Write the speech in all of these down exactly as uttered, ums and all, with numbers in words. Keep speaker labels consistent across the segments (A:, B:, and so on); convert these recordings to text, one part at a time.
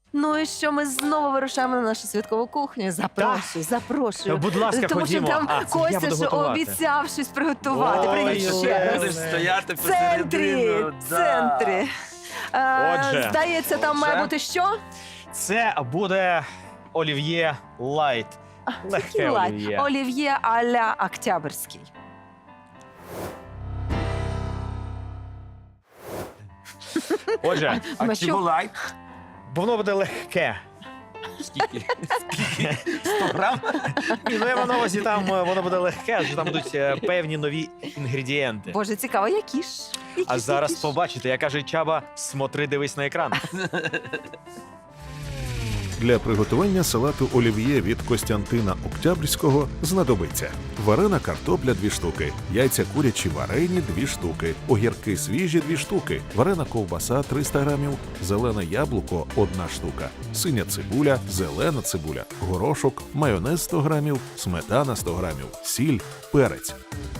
A: Ну і що, ми знову вирушаємо на нашу святкову кухню. Запрошую, запрошую.
B: Будь ласка,
A: Тому що
B: ходімо.
A: там
B: А, це я
A: Костя
B: буду
A: ж
B: готувати.
A: обіцяв щось приготувати.
B: Ой,
A: Привіт
B: ой,
A: ще
B: ой.
A: раз.
C: Будеш стояти
A: В центрі,
C: посередину.
A: в центрі. Е,
B: Отже.
A: Здається, там має
C: Отже.
A: бути що?
B: Це буде олів'є лайт. Легке
A: Такий лайт.
B: олів'є.
A: Олів'є а-ля Октябрьський.
B: Отже,
C: А
A: Ми
C: чого
A: що?
C: лайк?
B: воно буде легке.
C: Скільки? Скільки? сто грам?
B: Ні, ну я маю на увазі, там е, воно буде легке, адже там будуть е, певні нові інгредієнти.
A: Боже, цікаво, які ж? Які
B: А
A: ж,
B: зараз
A: які ж?
B: побачите, як каже Чаба, смотри, дивись на екран.
D: Для приготування салату олів'є від Костянтина Октябрьського знадобиться варена картопля дві штуки, яйця курячі варені дві штуки, огірки свіжі дві штуки, варена ковбаса триста грамів, зелене яблуко одна штука, синя цибуля, зелена цибуля, горошок, майонез сто грамів, сметана сто грамів, сіль, перець.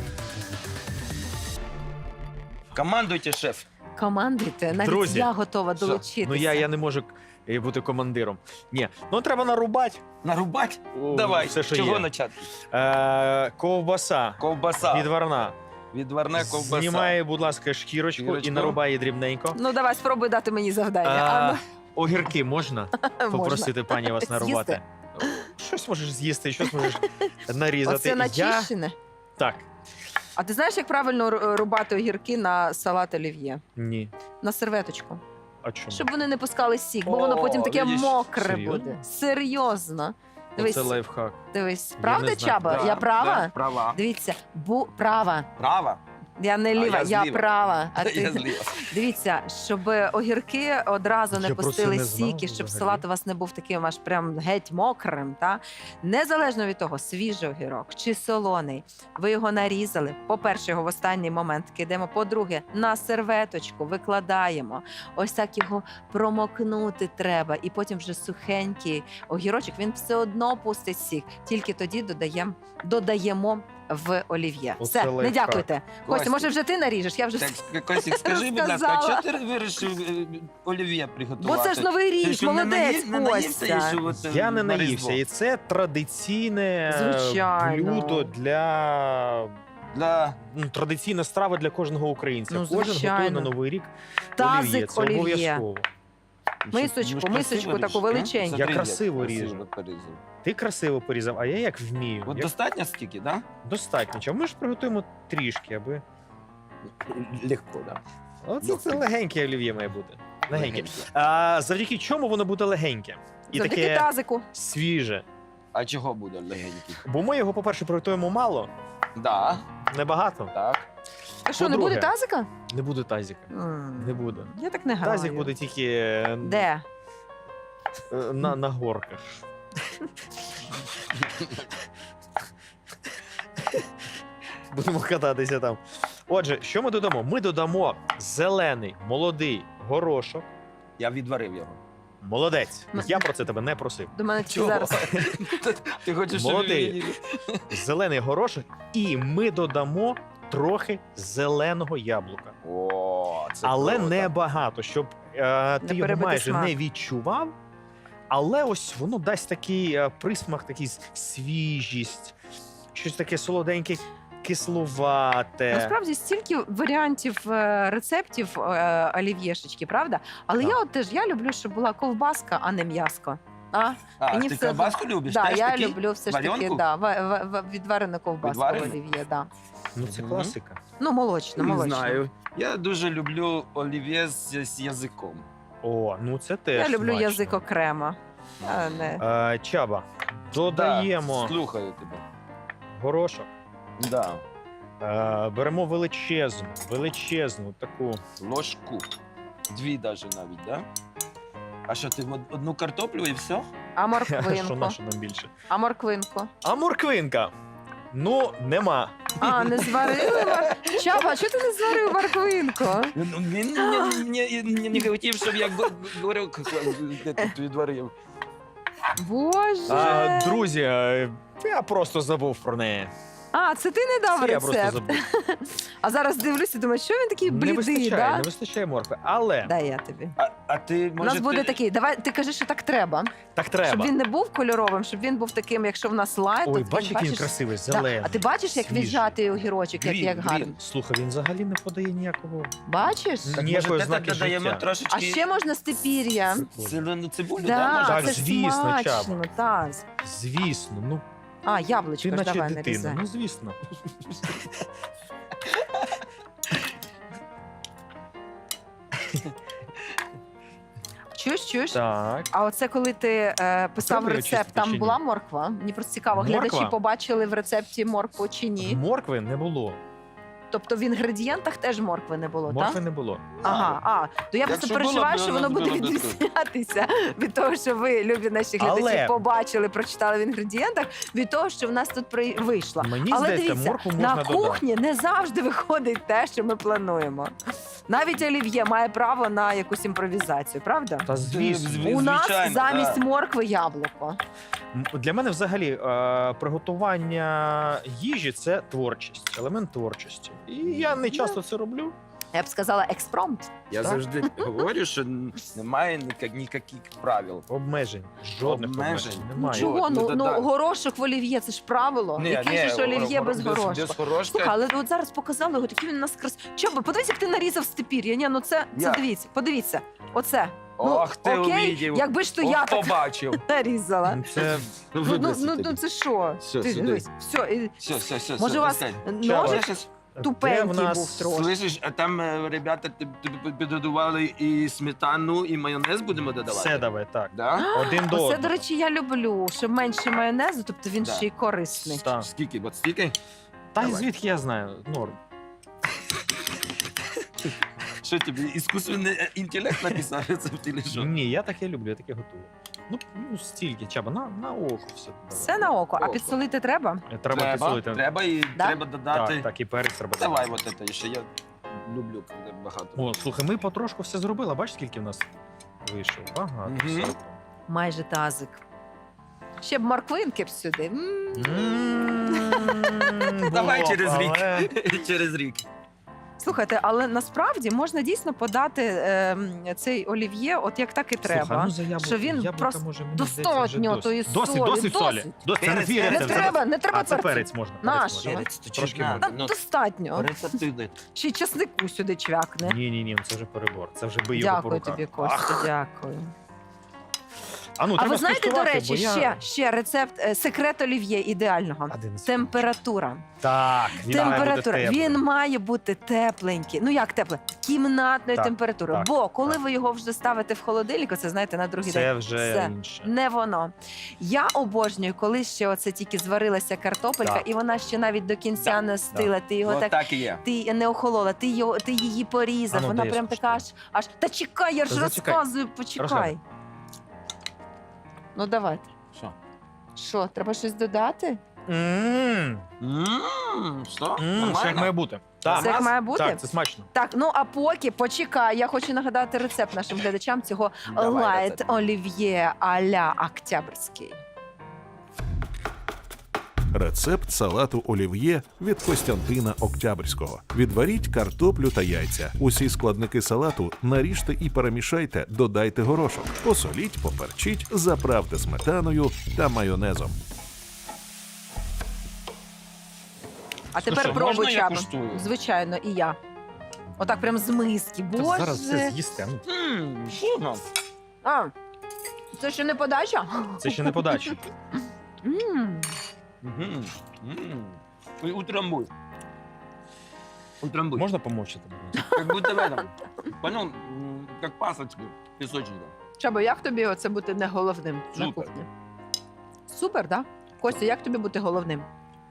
C: Командуйте, шеф.
A: Командуйте, навіть
B: Друзі,
A: я готова
C: що?
A: долучитися.
B: Ну я, я не можу е, бути командиром. Ні, ну треба нарубати.
C: Нарубать?
B: О,
C: Давай,
B: все, що
C: чого
B: є.
C: почати?
B: Е, ковбаса
C: Ковбаса.
B: відварна.
C: Відварна ковбаса.
B: Знімає, будь ласка, шкірочку,
C: Шкірочку.
B: і нарубає її дрібненько.
A: Ну давай, спробуй дати мені завдання.
B: А,
A: А,
B: огірки можна
A: ну,
B: попросити пані вас нарубати? Щось можеш з'їсти, щось можеш нарізати.
A: Оце
B: Я...
A: начищене.
B: Так,
A: А ти знаєш, як правильно ру- рубати огірки на салат олів'є?
B: ні.
A: На серветочку.
B: А чому?
A: Щоб вони не пускали сік, бо
C: О,
A: воно потім таке
C: видиш,
A: мокре
B: серйозно?
A: буде. Серйозно. Дивись,
B: Це лайфхак.
A: дивись.
B: Я
A: Правда,
B: не знаю.
A: Чаба?
C: Да,
A: Я права?
C: да, права.
A: Дивіться, бу права.
C: Права?
A: Я не ліва,
C: я
A: я,
C: зліва.
A: права. А
C: Я
A: ти
C: зліва.
A: дивіться, щоб огірки одразу не
B: Я про це
A: пустили
B: не знав
A: сіки, щоб
B: взагалі.
A: салат у вас не був таким аж прям геть мокрим. Та незалежно від того, свіжий огірок чи солоний, ви його нарізали. По-перше, його в останній момент кидаємо. По-друге, на серветочку викладаємо. Ось так його промокнути треба. І потім вже сухенький огірочок, він все одно пустить сік. Тільки тоді додаємо, додаємо в олів'є.
B: Оце
A: Все, не
B: лайфхак.
A: дякуйте. Костя,
C: Костя.
A: може вже ти наріжеш? Я вже
C: Так, Костік, скажи, будь ласка, а
A: Розказала.
C: чого ти вирішив е, олів'є
A: Бо
C: приготувати?
A: це ж новий
C: Ти
A: рік,
C: що, не
A: молодець,
C: наї- не наївся
A: Костя.
C: ще от, е,
B: Я не
C: на
B: наївся,
C: Різдво?
B: і це традиційне е,
A: Звичайно.
B: блюдо для
C: Для...
B: ну, традиційна страва для кожного українця.
A: Ну,
B: Кожен готує
A: звичайно.
B: на Новий рік
A: Тазик
B: олів'є. Це
A: олів'є.
B: обов'язково.
A: Мисочку,
C: Ну,
A: мисочку
C: красиво
A: таку
C: ріж,
A: величеньку.
C: ну?
B: Я
C: Смотри,
B: красиво
C: як
B: ріжу.
C: порізав.
B: Ти красиво порізав, а я як вмію.
C: От
B: Як...
C: достатньо стільки, так?
B: Достатньо. Чому ми ж приготуємо трішки, аби.
C: Легко, так.
B: Оце це легеньке олів'є має бути. Легеньке.
C: Легеньке.
B: А завдяки чому воно буде легеньке? І
A: Завдяки
B: таке
A: тазику.
B: свіже.
C: А чого буде легенький?
B: Бо ми його, по-перше, приготуємо мало,
C: Да,
B: небагато.
C: так.
A: А що, не
B: По-друге,
A: буде тазика?
B: Не буде тазика.
A: М,
B: Не буде.
A: Я так не граю.
B: Тазик буде тільки е,
A: Де?
B: е, на, на горках. Будемо кататися там. Отже, що ми додамо? Ми додамо зелений молодий горошок.
C: Я відварив його.
B: Молодець.
A: Ну,
B: Я про це тебе не просив.
A: До мене тільки
C: Чого?
A: зараз.
C: Ти хочеш, щоб
B: Молодий.
C: він-
B: Зелений горошок, і ми додамо трохи зеленого яблука.
C: О, це
B: Але
C: круто.
B: не багато, щоб е, ти
A: Не
B: його
A: перебити
B: майже
A: смак.
B: не відчував. Але ось воно дасть такий е, присмак, такий с- свіжість, щось таке солоденьке, кислувате.
A: Насправді стільки варіантів е, рецептів е, олів'єшечки, правда? Але
B: Так.
A: я от теж я люблю, щоб була ковбаска, а не м'яско. А?
C: А,
A: Мені
C: ти
A: все
C: ковбаску любиш?
A: Да,
C: Теж
A: я
C: такий?
A: люблю все ж таки
C: Варіонку?
A: да, в- в- в- відварену ковбаску
C: Відварену?
A: в олів'є. Да.
B: Ну це
C: Мгм.
B: класика.
A: Ну, молочно,
C: Не
A: молочно.
C: знаю. Я дуже люблю олів'є з, з язиком.
B: О, ну це теж
A: Я люблю
B: смачно.
A: язик окремо. А не.
B: Е, Чаба, додаємо
C: Да, слухаю тебе.
B: горошок.
C: Да.
B: Е, беремо величезну, величезну таку.
C: Ложку. Дві даже навіть, да? А що, ти од- одну картоплю і все?
A: А
B: Що
A: морквинку?
B: наше нам більше?
A: А морквинку?
B: А морквинка? Ну, нема.
A: А, не зварили мор... Чаба, чого ти не зварив морквинку?
C: Ну, Він не, не, не хотів, щоб я го- говорив, де тут відварив.
A: Боже.
B: А, друзі, е, я просто забув про неї.
A: А, це ти не дав
B: Це я просто
A: рецепт.
B: забув.
A: А зараз дивлюся, думаю, що він такий
B: Не
A: блідий,
B: вистачає,
A: да?
B: не вистачає моркви. Але
A: Дай я тобі.
C: А, а ти,
A: У
C: може,
A: нас буде
C: ти...
A: такий, давай, ти кажи, що так треба.
B: так треба.
A: Щоб він не був кольоровим, щоб він був таким, якщо в нас лайт,
B: Ой,
A: то
B: бач,
A: він,
B: який він
A: бачиш,
B: красивий,
A: да.
B: зелений.
A: А ти бачиш, як
B: свіжий.
A: віджатий огірочок, як,
C: Грін,
A: як гарно?
C: грін.
B: Слухай, він взагалі не подає ніякого.
A: Бачиш?
B: Так,
C: Так,
B: ніякої
C: може,
B: ознаки
C: те додаємо
B: життя.
C: трошечки
A: А ще можна степір'я.
C: зелену цибулю,
A: Да,
C: да,
B: Так,
C: може?
A: це ж
B: звісно,
A: смачно, так.
B: Звісно, ну
A: А, яблучко
B: ти
A: ж
B: наче
A: давай
B: дитина.
A: нарізай.
B: Ну звісно.
A: Чуєш, чуєш?
B: Так.
A: А оце коли ти е, писав
B: Треба
A: рецепт,
B: очистити чи
A: там
B: ні?
A: була морква? Мені просто цікаво,
B: Морква?
A: глядачі побачили в рецепті моркву чи ні.
B: Моркви не було.
A: Тобто в інгредієнтах теж моркви не було,
B: Моркви
A: так?
B: не було.
A: Ага, а, то я просто
C: Якщо
A: переживаю,
C: було б,
A: що воно
C: воно
A: буде
C: було б
A: відрізнятися від того, що ви, любі наші глядачі,
B: Але-
A: побачили, прочитали в інгредієнтах, від того, що в нас тут при... вийшло.
B: Мені
A: Але
B: здається,
A: дивіться,
B: моркву можна
A: на
B: додати.
A: кухні не завжди виходить те, що ми плануємо. Навіть олів'є має право на якусь імпровізацію, правда?
B: Та звісно.
C: Зві-
A: У нас
C: звичайно,
A: замість
C: да.
A: моркви яблуко.
B: М, Для мене взагалі е, приготування їжі це творчість, елемент творчості. І я не часто це роблю.
A: Я б сказала експромт.
C: Я
B: Так.
C: завжди говорю, що н- немає ніяк- ніяких правил.
B: Обмежень. Жодних обмежень.
C: Обмежень.
B: Немає.
A: Чого?
C: От,
A: Ну,
C: ну,
A: ну
C: да-да.
A: горошок в олів'є, це ж правило. Який же ж олів'є
C: горо-
A: без горошку?
C: Без горошка.
A: Слухай, але от зараз показали його, такий він у нас крас. Чоби, подивись, як ти нарізав степір'я. Ні, ну це, це
C: Як?
A: дивіться, подивіться. Оце. Ну,
C: Ох, ти
A: окей,
C: увидів.
A: якби ж то
C: Ох,
A: я так
C: побачив.
A: нарізала.
B: Ну, Це
C: Ну,
A: Ну, ну,
C: виброси
A: ну,
C: тобі.
A: ну це що?
C: Все,
A: Ти
C: сюди.
A: дивись, все, і-
C: Все, все, все.
A: може
C: все,
A: у вас
C: достань.
B: Чао.
A: ножик
C: Щас-
A: тупенький
B: де в нас
A: був трошки.
C: Слышиш, а там е, ребята тобі тобі підготували і сметану, і майонез будемо додавати?
B: все давай, так.
C: Да?
B: Один до
A: Оце,
B: одного.
A: до речі, я люблю, що менше майонезу, тобто він
C: Да.
A: ще й корисний.
B: Так.
C: Скільки? От стільки?
B: Та й
C: Давай.
B: звідки я знаю? Норм.
C: Що тобі, іскусственний е, інтелект написав рецепт чи що?
B: Ні, я таке люблю, я таке готую. Ну, ну стільки, чаба, на, на око все. давай.
A: Все на око, а
C: Око.
A: підсолити треба?
B: Треба,
C: Треба,
B: підсолити.
C: треба і
A: Да?
C: треба додати.
B: Так, так, і перець треба.
C: Давай
B: додати.
C: от це ще, я люблю, коли багато.
B: О, слухай, ми потрошку все зробили. Бачиш, скільки в нас вийшло? Багато.
C: Мгм.
B: всього.
A: Майже тазик. Ще б морквинки б сюди. М.
B: М,
C: Давай
B: було,
C: через рік.
B: але-
C: Через рік.
A: Слухайте, але насправді можна дійсно подати е, цей олів'є, от як так і треба.
B: Слухай, ну за яблуко,
A: що він
B: яблука,
A: просто
B: може, мені здається,
A: достатньо
B: вже
A: тої
B: досить. Досить,
A: солі,
B: досить солі.
A: досить.
B: Досить, це не
C: Перець,
B: твій
C: перець,
A: Не
B: рецепт.
A: треба, не треба
B: А це
A: перцю.
B: перець можна.
A: Наш.
B: Перець можна.
C: Перець, то
B: Трошки
C: чесна.
B: можна.
A: Та
C: Ну,
A: достатньо.
C: рецептивний.
A: Чи й часнику сюди чвякне.
B: Ні, ні, ні, це вже перебор. Це вже бий його по
A: Дякую
B: руках.
A: тобі, Костя, дякую.
B: А, ну,
A: А
B: треба
A: ви знаєте, до
B: скуштувати,
A: речі,
B: бо я-
A: ще, ще рецепт, е, секрет олів'є ідеального.
B: Один з-
A: Температура.
B: Так, він має бути
A: Температура.
B: теплий.
A: Він має бути тепленький. Ну як тепле? Кімнатної
B: Так,
A: температури.
B: так,
A: Бо коли
B: так.
A: ви його вже ставите в холодильник, це знаєте, на другий
B: Це
A: день.
B: вже
A: Все.
B: інше.
A: Не воно. Я обожнюю, коли ще оце тільки зварилася картопелька,
B: Так.
A: і вона ще навіть до кінця
B: Так,
A: не стила. Ти його
C: От
A: так.
C: так і є.
A: Ти не охолола, ти його, ти її порізав.
B: А ну,
A: Вона
B: дай я
A: прям така аж,
B: спробую.
A: аж. Та чекай, я ж
B: Та зачекай.
A: розказую, почекай.
B: Розказуй.
A: Ну давайте.
C: Що?
A: Що, треба щось додати?
B: М,
C: Ммм, що?
B: м, Все як
C: Нормально?
B: має бути. Так,
A: Це як має бути?
B: так, це смачно.
A: Так, ну а поки почекай, я хочу нагадати рецепт нашим глядачам цього
C: Давай
A: лайт
C: рецепт.
A: олів'є а-ля Октябрьський.
D: Рецепт салату олів'є від Костянтина Октябрьського. Відваріть картоплю та яйця. Усі складники салату наріжте і перемішайте, додайте горошок. Посоліть, поперчіть, заправте сметаною та майонезом.
A: А
C: Ну
A: тепер
C: що,
A: пробуй,
C: можна я
A: Чаба.
C: куштую?
A: Звичайно, і я. Отак прям з миски.
B: Та
A: Боже.
B: зараз все з'їсте. Ну,
C: Ммм, вкусно.
A: А, це ще не подача?
B: це ще не подача.
A: М.
C: Мгм. Ммм. І утрамбуй. Утрамбуй.
B: Можна помовчати?
C: Как будто в этом. Понял? М, Как пасочки, песочника.
A: Чаба, як тобі оце бути не головним на
C: Супер.
A: кухні? Супер, так? Да? Костя, як тобі бути головним?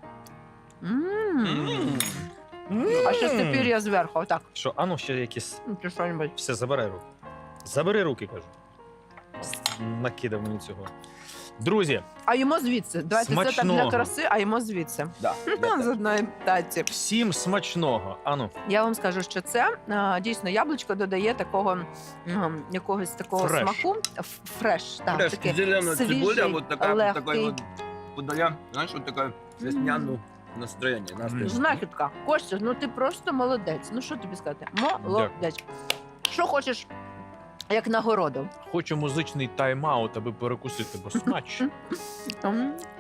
A: М. А ще тепер я зверху, отак.
B: Що, а ну ще якісь.
A: Ну, Чи що-небудь.
B: Все, забирай руки. Забери руки, кажу. Накидав мені цього. Друзі,
A: А йому звідси. Давайте це так для
B: Смачного.
A: краси, а йому звідси.
C: Да, я
A: З
C: так.
A: одної таці.
B: всім смачного. Ану,
A: Я вам скажу, що це а, дійсно яблучко додає такого м, якогось такого
B: Фреш.
A: смаку. Ф- Фреш, так,
C: Фреш,
A: такий
C: зелена
A: свіжий,
C: цибуля, вот такая, вот
A: легкий.
C: такой вот подая, знаешь, вот такая весняную Настроєння, настроєння.
A: Знахідка. Костя, ну ти просто молодець. Ну що тобі сказати? Молодець. Що хочеш, як нагороду?
E: Хочу музичний тайм-аут, аби перекусити, бо смачно.
A: М.